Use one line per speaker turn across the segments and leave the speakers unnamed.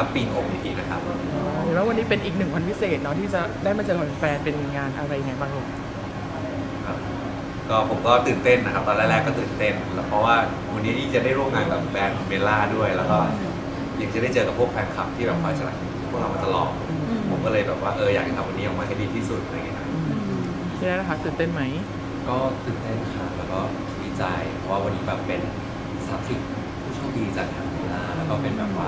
ปีนอกอีกทีนะครับ
เห็นว่าวันนี้เป็นอีกหนึ่งวันพิเศษเนาะที่จะได้มาเจอกับแฟนเป็นงานอะไรยังไงบ้างลูก
ครับก็ผมก็ตื่นเต้นนะครับตอนแรกๆก็ตื่นเต้นแล้วเพราะว่าวันนี้จะได้ร่วมงานกับแบรนด์เบลล่าด้วยแล้วก็ยังจะได้เจอกับพวกแฟนคลับที่แบบคอยสนับสนุนพวกเรามาตลอดผมก็เลยแบบว่าอยากจะทำวันนี้ออกมาให้ดีที่สุดอะไรอย่างเงี้ยครับ
ที่นั่นนะคะตื่นเต้นไหม
ก็ตื่นเต้นค่ะแล้วก็ดีใจเพราะว่าวันนี้แบบเป็น30ผู้โชคดีจากทางเบลล่าแล้วก็เป็นแบบว่า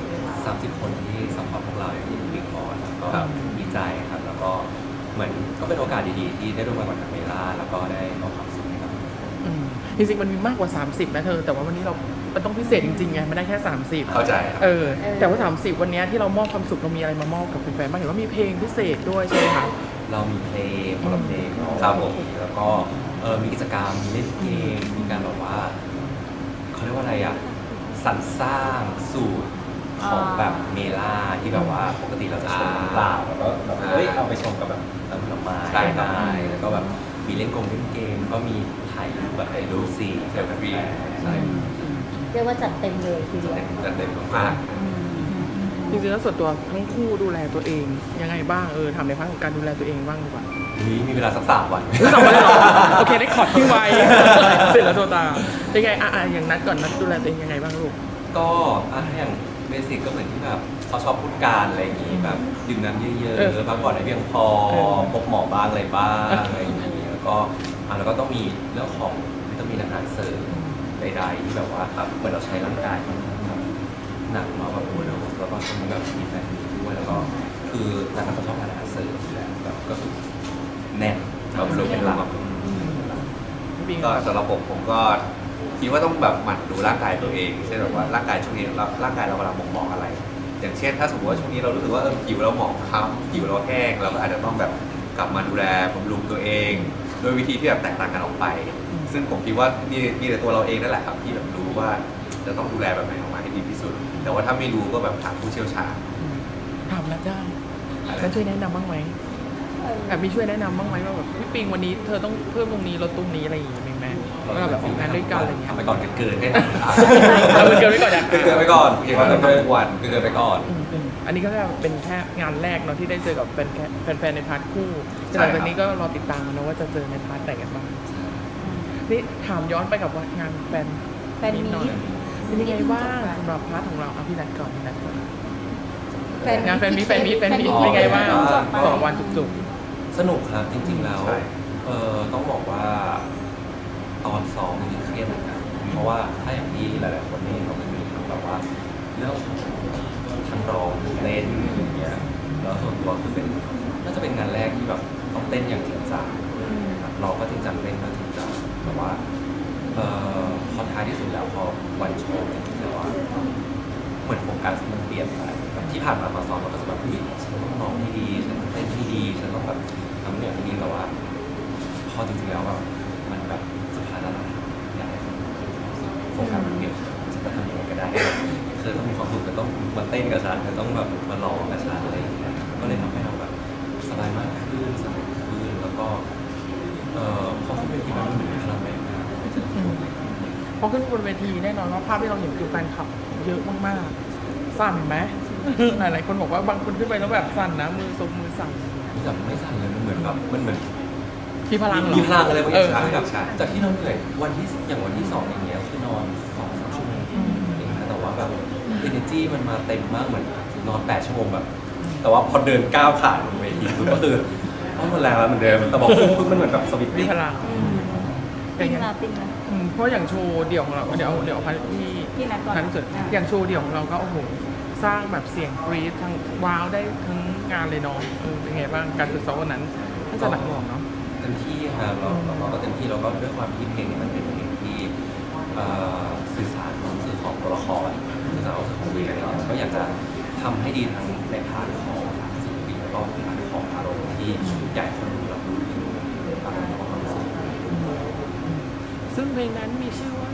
30คนที่ซัพพอร์ตพวกเราอย่างที่บิ๊กบอกแล้วก็ดีใจครับแล้วก็เหมือนก็เป็นโอกาสดีๆที่ได้ร่วมงานกับทางเบลล่าแล้วก็ได้มอบความสุขให้กับ
จริงๆมันมีมากกว่า30นะเธอแต่ว่าวันนี้เราต้องพิเศษจริงๆไงไม่ได้แค่30
เข้าใจ
แต่ว่า30วันนี้ที่เรามอบความสุขเรามีอะไรมามอบกับแฟนๆบ้างเห็นว่ามีเพลงพิเศษด้วยใช่ไหมคะ
เรามีเพลงคนละเพลงครับผมแล้วก็มีกิจกรรมมีเล่นเกมมีการแบบว่าเขาเรียกว่าอะไรอ่ะสรรสร้างสูตรของแบบเมล่าที่แบบว่าปกติเราจะชมน้ำเปล่าแล้วก็แบบเอาไปชมกับแบบน้ำผลไม้ได้แล้วก็แบบมีเล่นเกมก็มีถ่ายรูปแบบไอดูซี
เซลฟี่
ใช่
เรียกว่าจัดเต็มเลยทีเดียว
จัดเต็มมาก
จริงๆแล้วส่วนตัวทั้งคู่ดูแลตัวเองยังไงบ้างทำในพาร์ทของการดูแลตัวเองบ้างดีกว่า
มีเวลาสัก3 วัน
3 วันเลยเหรอโอเคได้ขอดที่ไวเสร็จแล้วโทรตามเป็นไงอย่างนัดก่อนนัดดูแลตัวเองยังไงบ้างลูก
ก็ถ้าอย่างเบสิกก็เหมือนที่แบบเขาชอบพูดการอะไรอย่างงี้แบบดื่มน้ำเยอะๆพักผ่อนให้เพียงพอพบหมอบ้างอะไรบ้างอะไรอย่างงี้แล้วก็ต้องมีเรื่องของวิตามินอาหารเสริมใดๆที่แบบว่าเหมือนเราใช้ร่างกายมันหนักมาแบบโอ้โหแล้วก็ต้องแบบมีแฟนด้วยแล้วก็คือนักเขาชอบทานอาหารเสริมอยู่แล้วแบบก็คือแน่นแบบรู้เป็นหลัก
ก็สำหรับผมก็คิดว่าต้องแบบหมั่นดูร่างกายตัวเองเช่นแบบว่าร่างกายช่วงนี้ร่างกายเรากำลังบ่งบอกอะไรอย่างเช่นถ้าสมมติว่าช่วงนี้เรารู้สึกว่าผิวเราหมองคล้ำผิวเราแห้งเราก็อาจจะต้องแบบกลับมาดูแลบำรุงตัวเองโดยวิธีที่แบบแตกต่างกันออกไปซึ่งผมคิดว่ามีแต่ตัวเราเองนั่นแหละครับที่แบบรู้ว่าจะต้องดูแลแบบไหนออกมาให้ดีที่สุดแต่ว่าถ้าไม่รู้ก็แบบถามผู้เชี่ยวชาญ
ถามนัดได้แล้วช่วยแนะนำบ้างไหมมีช่วยแนะนำบ้างไหมว่าแบบพี่ปิงวันนี้เธอต้องเพิ่มตรงนี้ลดตรงนี้อะไรอย่างเงี้ยไหมว่าแบบงานด้วยกันอะไรเงี้ย
ทำไปก่อนเกินให้
เกินไปก่อนอย่าง
เกินไปก่อนอย่างนั้นเกินวันเกินไปก่อน
อันนี้ก็จะเป็นแค่งานแรกเนาะที่ได้เจอกับแฟนในพาร์ทคู่หลังจากนี้ก็รอติดตามนะว่าจะเจอในพาร์ทไหนกันบ้างนี่ถามย้อนไปกับว่างานแฟนมีหน่อยเป็นยังไงบ้างสำหรับพาร์ทของเราพี่นัทก่อนงานแฟนมีเป็นยังไงบ้าง2 วันจุก
ๆสนุกครับจริงๆแล้วต้องบอกว่าตอนซ้อมนี่เครียดเหมือนกันเพราะว่าถ้าอย่างที่หลายๆคนนี่เขาจะมีทั้งแบบว่าเรื่องทั้งร้องเต้นอย่างเงี้ยแล้วส่วนตัวคือเป็นน่าจะเป็นงานแรกที่แบบต้องเต้นอย่างจริงจังเราก็จริงจังเต้นก็จริงจังแต่ว่าพอท้ายที่สุดแล้วพอวันโชว์จริงๆแล้วเหมือนโฟกัสมันเปลี่ยนไปที่ผ่านมาซ้อมเราก็จะแบบฉันต้องร้องให้ดีฉันต้องเต้นให้ดีฉันต้องแบบทำอย่างนี้แต่ว่าพอจริงๆแล้วแบบมันแบบสุดท้ายแล้วอยากให้คนโฟกัสมันเปลี่ยนฉันจะทำยังไงก็ได้คือต้องมีความสุขแต่ต้องมาเต้นกับฉันต้องแบบมาร้องกับฉันอะไรอย่างเงี้ยก็เลยทำให้เราแบบสบายมากขึ้นสนุกขึ้นแล้วก็พอขึ้นเวทีมันเหมือนมีพลังแบบนั้น
พอขึ้นบนเวทีแน่นอนว่าภาพที่เราเห็นคือแฟนคลับเยอะมากๆสั่นไหมหลายๆคนบอกว่าบางคนขึ้นไปแล้วแบบสั่นนะมือสั่น
แบบไม่สั่นเลยมันเหมือนแบบมันเหมือน
มีพลัง
อะไรบางอย่างแบบจากที่เราเหนื่อยวันที่2อย่างเงี้ยคือนอน2-3 ชั่วโมงเองนะแต่ว่าแบบ energy มันมาเต็มมากเหมือนนอน8 ชั่วโมงแบบแต่ว่าพอเดินก้าวขาบนเวทีก็คือต้องมันแรงแล้วเหมือนเดิมแต่บอกปุ๊บมันเหมือนแบบสวิตติ้ง
พลัง
ติ้งละ
เพราะอย่างโชว์เดี่ยวของเราเดี๋ยวพันที่นัดเสร็จอย่างโชว์เดี่ยวของเราก็โอ้โหสร้างแบบเสียงกรี๊ดทั้งว้าวได้ทั้งงานเลยเนาะเป็นไงบ้างการฝึกซ้อมวันนั้นน่าจะหนักหน่วงเนาะ
เต็มที่ครับเราก็เต็มที่เราก็ด้วยความที่เพลงมันเป็นเพลงที่สื่อสารความรู้สึกของตัวละครสื่อสารความรู้สึกของวีกันเราก็อยากจะทำให้ดีทั้งในพาร์ทของศิลปินแล้วก็พาร์ทของอารมณ์ที่ใหญ่คนดูรับรู้ถึงอารมณ์ของความรู้สึก
ซึ่งเพลงนั้นมีชื่อว่า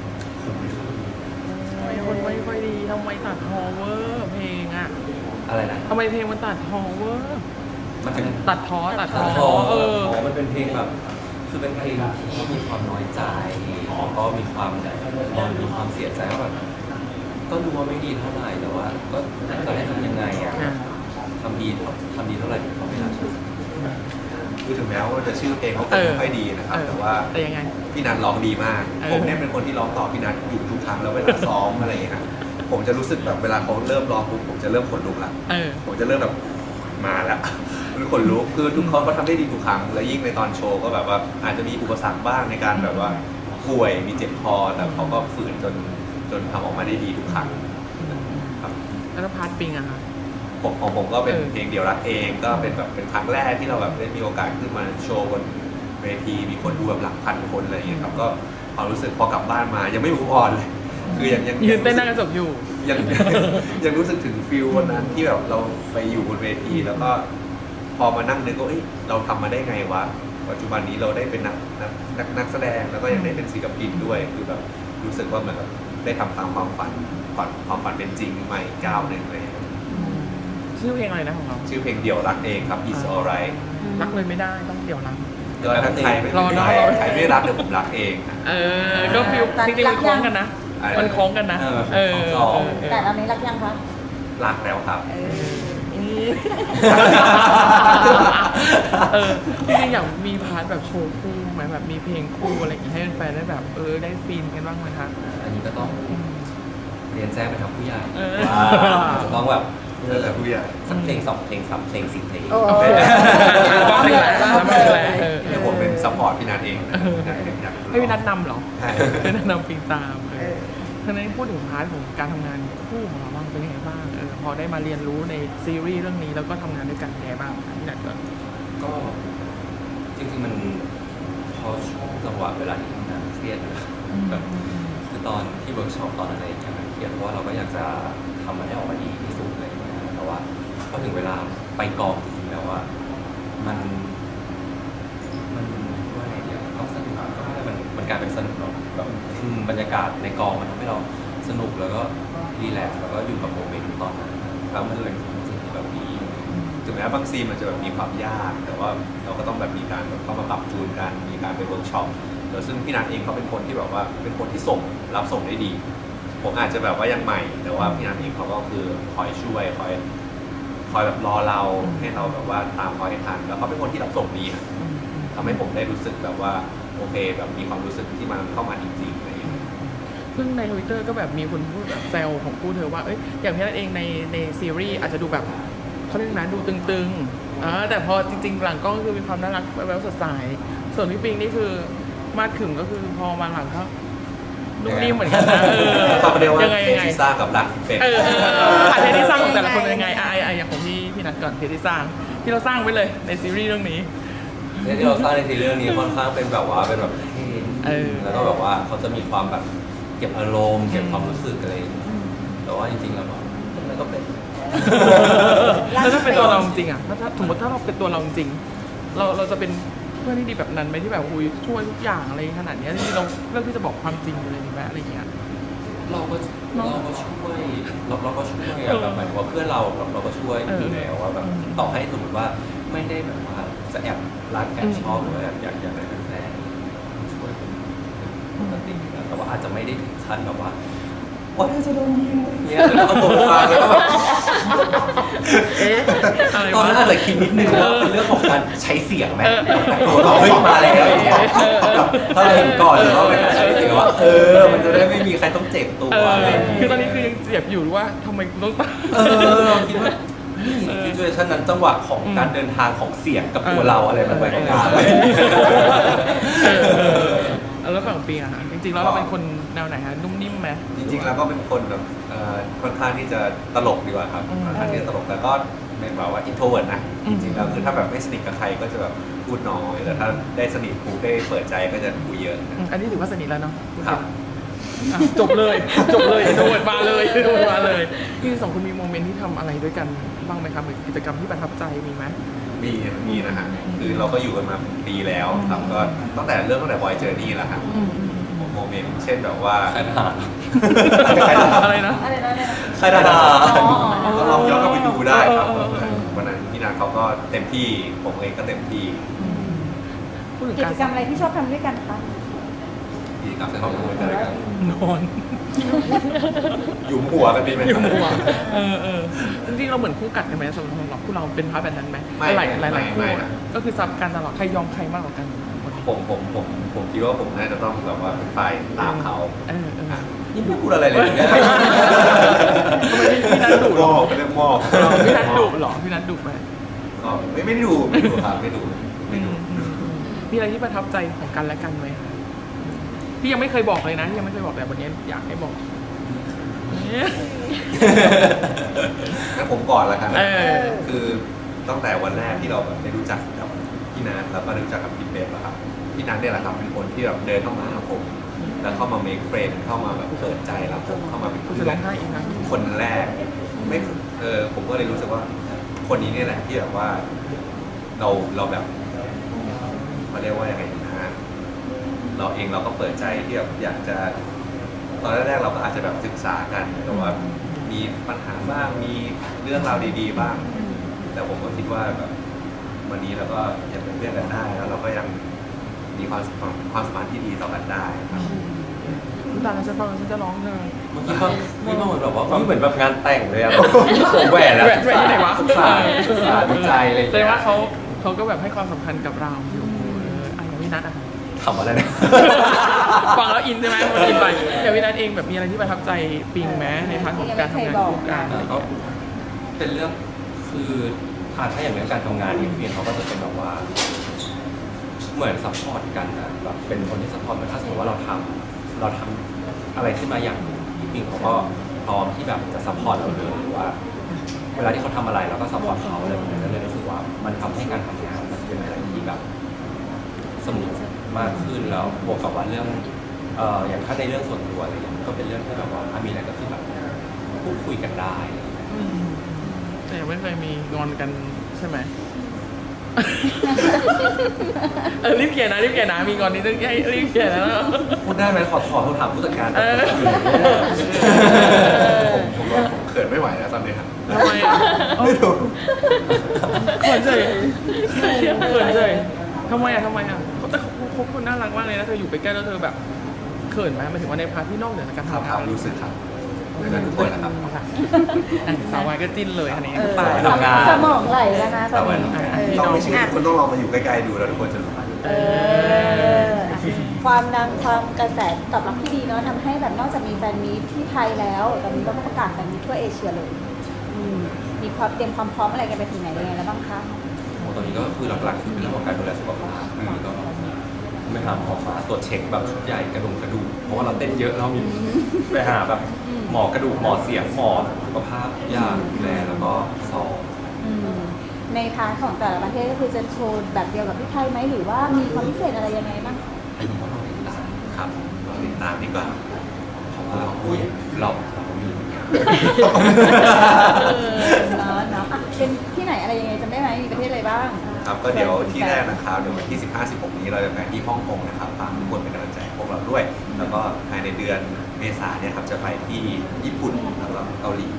คนไม่ค่อยดีทำไมตัดฮอเวอร์เพลง
อะไรนะ
ทำไมเพลงมันตัดฮอเวอร์
มันเป็น
ตัดท้อ
มันเป็นเพลงแบบคือเป็นเพลงที่มีความน้อยใจแล้วก็มีความเสียใจว่าแบบก็รู้ว่าไม่ดีเท่าไหร่แต่ว่าก็จะให้ทำยังไงอ่ะ
อ่า
ทำดีเท่าไหร่เขาไม่น่าเชื่อ
คือถึงแม้ว่าจะชื่อเพลงเขา
เออ
ไม่ค่อยดีนะครับ
เออ
แต่ว่า
แต่ยังไง
พี่นัทร้องดีมาก
เออ
ผมเนี่ยเป็นคนที่ร้องต่อพี่นัทอยู่ทุกครั้งแล้วเวลาซ้อมอะไรอย่างเงี้ยครับผมจะรู้สึกแบบเวลาเขาเริ่มร้องปุ๊บผมจะเริ่มขนลุกละ
เออ
ผมจะเริ่มแบบมาแล้วมันขนลุกคือทุกคนเขาทำได้ดีทุกครั้งและยิ่งในตอนโชว์ก็แบบว่าอาจจะมีอุปสรรคบ้างในการแบบว่าป่วยมีเจ็บคอแต่เขาก็ฝืนจนทำออกมาได้ดีทุกครั้งครับ
แล้วพาร์ทปิงอะคะ
ของผมก็เป็น
เออ
เพลงเดี่ยวรักเองก็เป็นแบบเป็นครั้งแรกที่เราแบบได้มีโอกาสขึ้นมาโชว์บนเวทีมีคนดูแบบหลักพันคนอะไรอย่างเงี้ยครับก็ความรู้สึกพอกลับบ้านมายังไม่มูฟออนเลยคือยัง
ยืนเต้นหน้ากระจกอยู่
ยังยังรู้สึกถึงฟิลวันนั้นที่แบบเราไปอยู่บนเวทีแล้วก็พอมานั่งนึกว่าเอ้ยเราทำมาได้ไงวะปัจจุบันนี้เราได้เป็นนักแสดงแล้วก็ยังได้เป็นศิลปินด้วยคือแบบรู้สึกว่าเหมือนแบบได้ทำตามความฝันความฝันเป็นจริงใหม่ก้าวหนึ่งเลย
ชื่อเพลงอะไรนะของเรา
ชื่อเพลงเดี่ยวรักเองครับ It's Alright
รักเลยไม่ได้ต้องเดี๋ยวรัก
ก็ถ้าใครไม่
รอเนอะ
ใครไม่รักเดี๋ยวผมรักเองครับ
เออ ก็ฟิลจริงๆมันคล้องกันนะ
อะไร
มันคล้องกันนะ
เออ
แต่ตอนนี้รักยังคะ
รักแล้วครับ
เออจริงๆอยากมีพาร์ทแบบโชว์คู่ไหมแบบมีเพลงคู่อะไรอย่างเงี้ยให้แฟนๆได้แบบได้ฟินกันบ้างไหมคะ
อันนี้ก็ต้องเรียนแจ้งไปทางผู้ใหญ่
เออ
ว่าจะต้องแบบ
เออแต่ผู้ใหญ่
สักเพลง2เพลง3เพลง4เพลง
โอ้
บ้างเลยบ้างเลย
เดี๋ยวผมเป็นซัพพอร์ตพี่นัทเองนะอยาก
ให้พี่นัทนำเหรอ
ใช่
ให้นัทนำปิงตามทีนี้พูดถึงพาร์ทของการทำงานคู่ของเราบ้างเป็นยังไงบ้างพอได้มาเรียนรู้ในซีรีส์เรื่องนี้แล้วก็ทำงานด้วยกันยังไงบ้างพี่นัทก่อน
ก็จริงๆมันพอช่วงจังหวะเวลาที่ทำงานเครียดนะแบบคือตอนที่เวิร์กช็อปตอนอะไรอย่างเงี้ยมันเครียดเพราะว่าเราก็อยากจะทำมันให้ออกมาดีที่สุดอะไรอย่างเงี้ยแต่ว่าพอถึงเวลาไปกองจริงๆแล้วว่ามันว่าไงเดียวต้องสนุกก็ไม่ได้มันกลายเป็นสนุกเนาะแบบบรรยากาศในกองมันทำให้เราสนุกแล้วก็รีแลกซ์แล้วก็อยู่กับโมเมนต์ตอนนั้นแล้วมันเลยเป็นสิ่งที่แบบดี
ถึงแม้บางซีนมันจะแบบมีความยาก แต่ว่าเราก็ต้องแบบมีการแบบเข้ามาปรับจูนกันมีการไปเวิร์กช็อปแล้วซึ่งพี่นัทเองเขาเป็นคนที่แบบว่าเป็นคนที่รับส่งได้ดี ผมอาจจะแบบว่ายังใหม่ แต่ว่าพี่นัทเองเขาก็คือคอยช่วยคอยแบบรอเราให้เราแบบว่าตามคอยทันแล้วเขาเป็นคนที่รับส่งดีอะทำให้ผมได้รู้สึกแบบว่าโอเคแบบมีความรู้สึกที่มันเข้ามาจริงๆอะไรอย่างเงี้ย
ซึ่งใน Twitter ก็แบบมีคนพูดแบบแซวของคู่เธอว่าอย่างพี่นัทเองในซีรีส์อาจจะดูแบบเขาเรียกนะดูตึงๆแต่พอจริงๆหลังกล้องก็คือมีความน่ารักแววสดใสส่วนพี่ปิงนี่คือมาดขึงก็คือพอมาหลังก็นุ่มนิ่มเหมือนกันนะ
เขาเรียกว่า
ยังไง
เทสที่สร้างกับรักเป็น
เพจที่สร้างของแต่ละคนเป็นยังไงอย่างของพี่นัทก่อนเพจที่สร้างที่เราสร้างไว้เลยในซีรีส์เรื่องนี้
เนี่ยที่เราสร้างในทีเรื่องนี้ค่อนข้างเป็นแบบว่าเป็นแบบเท่แล้วก็แบบว่าเขาจะมีความแบบเก็บอารมณ์เก็บความรู้สึกอะไรอย่างเงี้ยแต่ว่าจริงๆแล้วมันก็เป็น
แล้วถ้าเป็นตัวเราจริงอ่ะถ้าสมมติถ้าเราเป็นตัวเราจริงเราจะเป็นเพื่อนที่ดีแบบนั้นไหมที่แบบช่วยทุกอย่างอะไรขนาดนี้ที่เราเลือกที่จะบอกความจริงเลยไหมอะไรอย่างเงี้ย
เราก็ช่วยเราก็ช่วยอะแบบหมายถึงว่าเพื่อนเราก็ช่วยอยู่แล้วว่าแบบต่อให้สมมติว่าไม่ได้แบบว่าจะแอบรักแอบชอบหรือว่าอยากได้เป็นแฟนช่วยเป็นปกตินะแต่ว่าอาจจะไม่ได้ถึงขั้นแบบว่าว่าถ้าจะโดนยิงอะไรเงี้ยแล้วก็โผล่มาแล้วก็แบบ
อะไร
ตอน
วะ
นั้นอาจจะคิดนิดนึงว่าเป็นเรื่องของการใช้เสียงไหมตัวเราขึ้นมาแล้วถ้าเราเห็นก่อนหรือว่าเป็นการใช้เสียงว่ามันจะได้ไม่มีใครต้องเจ็บตัวอะไรอย่างเงี้ย
คือตอนนี้คือยังเจ็บอยู่ว่าทำไมต้องตาย
เราคิดว่านี่ซิจูเอชันนั้นจังหวะของการเดินทางของเสียงกับตัวเราอะไรมันไปกัน
แล้วฝั่งปีอะค่ะจริงๆแล้วเราเป็นคนแนวไหนฮะนุ่มนิ่มไหม
จริงๆแล้วก็เป็นคนแบบค่อนข้างที่จะตลกดีกว่าครับค่อนข้างที่จะตลกแต่ก็เป็นแบบว่าอินโทรเวิร์ตนะจริงๆแล้วคือถ้าแบบไม่สนิทกับใครก็จะแบบพูดน้อยแต่ถ้าได้สนิทปุ๊บได้เปิดใจก็จะคุยเยอะ
อันนี้ถือว่าสนิทแล้วเนาะ
ครับ
จบเลยโดดมาเลยที่สองคนมีโมเมนต์ที่ทำอะไรด้วยกันบ้างไหมครับกิจกรรมที่ประทับใจมีไหม
มีนะฮะคือเราก็อยู่กันมาปีแล้วครับก็ตั้งแต่บอยเจอร์นี่แหละฮะโมเมนต์เช่นแบบว่า
ใครทหาร
อะไรนะ
ใครทหาร
ก็ลองย้อนกลับไปดูได้ครับวันนั้นพี่นาเขาก็เต็มที่ผมเองก็เต็มที่
พูดถึง
กิ
การ
จกรรมอะไรที่ชอบทำด้วยกันคะ
ดีครับขอบคุณกันเลยครับ
นอน
หยุมหัวกันดีไหม
อยู่หัวจริงๆเราเหมือนคู่กัดกันไหมสำหรับคู่เราเป็นพาร์ทแบบนั้นไหมหลายคู่อะก็คือซับกันตลอดใครยอมใครมากกว่ากันคนนี้
ผมคิดว่าผมน่าจะต้องแบบว่าเป็นฝ่ายตามเขา
นี่ไม่พูดอะไรเลยเนี่ย
ทำไมพี่นัทดุหรอ
เป็นเรื่องมอบ
พี่นัทดุหรอพี่นัทดุไหม
ก็ไม่ได้ดูครับไม่ดู
มีอะไรที่ประทับใจของกันและกันไหมคะพี่ยังไม่เคยบอกเลยนะพี่ยังไม่เคยบอกแต่วันนี้อยากให้บอก
งั้นผมก่อนละกัน
เออ
คือตั้งแต่วันแรกที่เราแบบได้รู้จักกับพี่นัทแล้วก็ได้รู้จักกับพี่เป๊ปอะครับพี่นัทเนี่ยแหละครับเป็นคนที่แบบเดินเข้ามาหาผมแล้วเข้ามา make friend เข้ามาแบบเปิดใจรับผมเข้ามาเป็น
คุณ
เพื่
จะ
อ
ร้อน งไห้อีกนะ
คนแรกไม่ผมก็เลยรู้สึกว่าคนนี้เนี่ยแหละที่แบบว่าเราแบบเขาเรียกว่ายังไงดีนะเราเองเราก็เปิดใจที่แบบอยากจะตอนแรกๆเราก็อาจจะแบบศึกษากันแต่ว่ามีปัญหาบ้างมีเรื่องราวดีๆบ้าง แต่ผมก็คิดว่าแบบวันนี้เราก็ยังเป็นเพื่อนกันได้แล้วเราก็ยังมีความสัมพันธ์ที่ดีต่อกันได้ครับ
คุณตาเราจะฟังฉันจะร้องเธอ
เมื่อกี้ก็เหมือนแบบว่าเหมือนแบบงานแต่งเลยอะผมแหวนแล้ว
แหวนที่ไหนวะ
ศึกษาดูใจอะไรอย่าง
แต่
เงี้ย
ว่าเขาก็แบบให้ความสำคัญกับเราอยู่อย่างพี่นัทอะ
ทำอะไรเนี่ย
ฟังแล้วอินใช่ไหมมันอินไปอย่างพี่นัทเองแบบมีอะไรที่ประทับใจปิงไหมในพาร์ทของการทำงานคู่กัน
ก็เป็นเรื่องคือถ้าอย่างเรื่องการทำงานเนี่ยพี่เขาก็จะเป็นแบบว่า เหมือนซัพพอร์ตกันนะแบบเป็นคนที่ซัพพอร์ตเหมือนถ้าสมมติว่าเราทำอะไรขึ้นมาอย่างหนึ่งพี่ปิงเขาก็พร้อมที่แบบจะซัพพอร์ตเราเลยหรือว่า เวลาที่เขาทำอะไรเราก็ซัพพอร์ตเขาอะไรแบบนี้ก็เลยรู้สึกว่ามันทำให้การทำงานมันเป็นอะไรที่แบบสนุกมากขึ้นแล้วบวกกับว่าเรื่องอย่างถ้าในเรื่องส่วนตัวอะไรอย่างเงี้ยมันก็เป็นเรื่องที่แบบว่าถ้ามีอะไรก็คือแบบพูดคุยกันได้
แต่ยังไม่เคยมีงอนกันใช่ไหม รีบเขียนนะมีงอนนี้ต้องให้รีบเขียนนะ
พูดได้ไหมขอโทรถามผู้จัดการ
ผมเขินไม่ไหวแล้วตอนนี้ครับ
ทำไมอ่ะ
ไม่รู้
เขินเลยทำไมอ่ะแต่เขาคนน่ารักมากเลยนะเธออยู่ไปใกล้แล้วเธอแบบเขินไหมหมายถึงว่าในพาร์ทที่นอกเหนือจากการ
ครับ
ทำงาน
รู้สึกครับเหมือนกันทุกคนนะครับ
สาววายก็จิ้นเลยอันนี้
สมองไหลแล้วนะตอนนี้
ต้องไม่เชื่อคุณต้องลองมาอยู่ใกล้ๆดูแล้วทุกคนจะรู้
ความดังความกระแสตอบรับที่ดีเนาะทำให้แบบนอกจากมีแฟนมีตที่ไทยแล้วตอนนี้เราก็ประกาศแฟนมีตทั่วเอเชียเลยมีความเตรียมความพร้อมอะไรกันไปถึงไหนยังไงแล้วบ้างคะ
ตอนนี้ก็คือหลักๆคือเป็นเรื่องของการดูแลสุขภาพก็ไม่หาหมอมาตรวจเช็คแบบชุดใหญ่กระดูกเพราะว่าเราเต้นเยอะเรามีไปหาแบบหมอกระดูกหมอเสียงหมอสุขภาพทุกอย่างดูแลแล้วก็สอบ
ในพาร์ทของแต่ละประเทศก็คือจะโชว์แบบเดียวกับที่ไทยไหมหรือว่ามีความพิเศษอะไรยังไงบ้าง
อันนี้ก็ต้องติดตาม
ครับลองติดตามดีกว่า
เพราะว่าเรามี
เนาะเป็นที่ไหนอะไรยังไงจำได้ไหมมีประเทศอะไรบ้าง
ครับก็เดี๋ยวที่แรกนะครับเดี๋ยววันที่ 15-16 นี้เราจะไปที่ฮ่องกงนะครับฝากทุกคนเป็นกำลังใจให้พวกเราด้วย แล้วก็ภายในเดือนเมษายนเนี่ยครับจะไปที่ญี่ปุ่นแล้วก็เกาหลี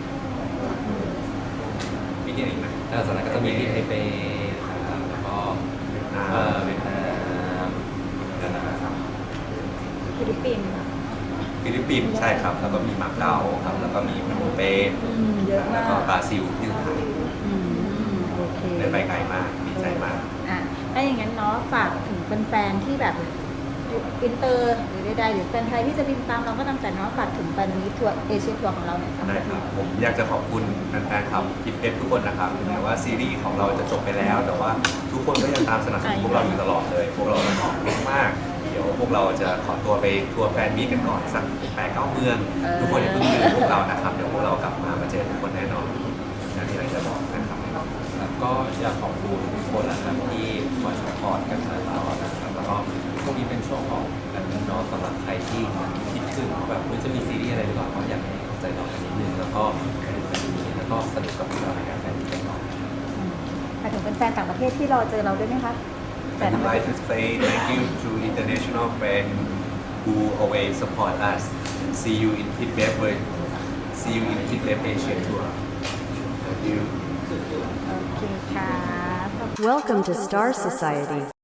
มีที่ไหนอีกไหม
แล้วจากนั้นก็จะมีที่ไทเปนะครับแล้วก็เวียดนามนะครับ
ฟิลิปปินส์
ฟิลิปปินส์ใช่ครับ แล้วก็มีมาเก๊าครับ แล้วก็มีพนมเปญ
เยอะมาก
แล้วก็บราซิลที่สุดท้าย
โอเค
ได้ไปไกลมากดีใจมาก
ถ้าอย่างนั้นเนาะฝากถึงแฟนๆที่แบบอินเตอร์หรือใดๆหรือแฟนไทยที่จะบินตามเราก็ตามแต่เนาะฝากถึงแฟนนี้ทัวร์เอเชียทัวร์ของเราเนี่ย
ได้ครับ ผมอยากจะขอบคุณแฟนๆครับคิดเอฟทุกคนนะครับถึงแม้ว่าซีรีส์ของเราจะจบไปแล้ว แต่ว่าทุกคนก็ยังตามสนับสนุนพวกเราอยู่ตลอดเลย พวกเราขอบคุณมาก เดี๋ยวพวกเราจะขอตัวไปทัวร์แฟนมีตกันก่อนสัก8-9 เมือง ทุกคนอย่าเพิ่งลืมพวกเรานะครับ เดี๋ยวพวกเรากลับมาเจอทุกคนแน่นอนอย่างที่เราจะบอกนะครับ
แล้วก็อยากขอบคุณทุกคนนะครับที่คอยสปอร์ตกันมาตลอดนะครับแล้วก็ช่วงนี้เป็นช่วงของการเงินเนาะสำหรับใครที่คิดถึงแบบจะมีซีรีส์อะไรหรือเปล่าก็อยากให้ใจเรากันนิดนึงแล้วก็ไปดูกันดีแล้วก็สนุกกับเราในการแฟนมิตกันเนาะ
ฝากถึงแฟนๆต่างประเทศที่รอเจอเราด้วยไหมคะ
I would like to say thank you to international friends who always support us. See you in Tibet. See you in Tibet Asia Tour. Thank you.
โอเคค่ะ
Welcome to Star Society.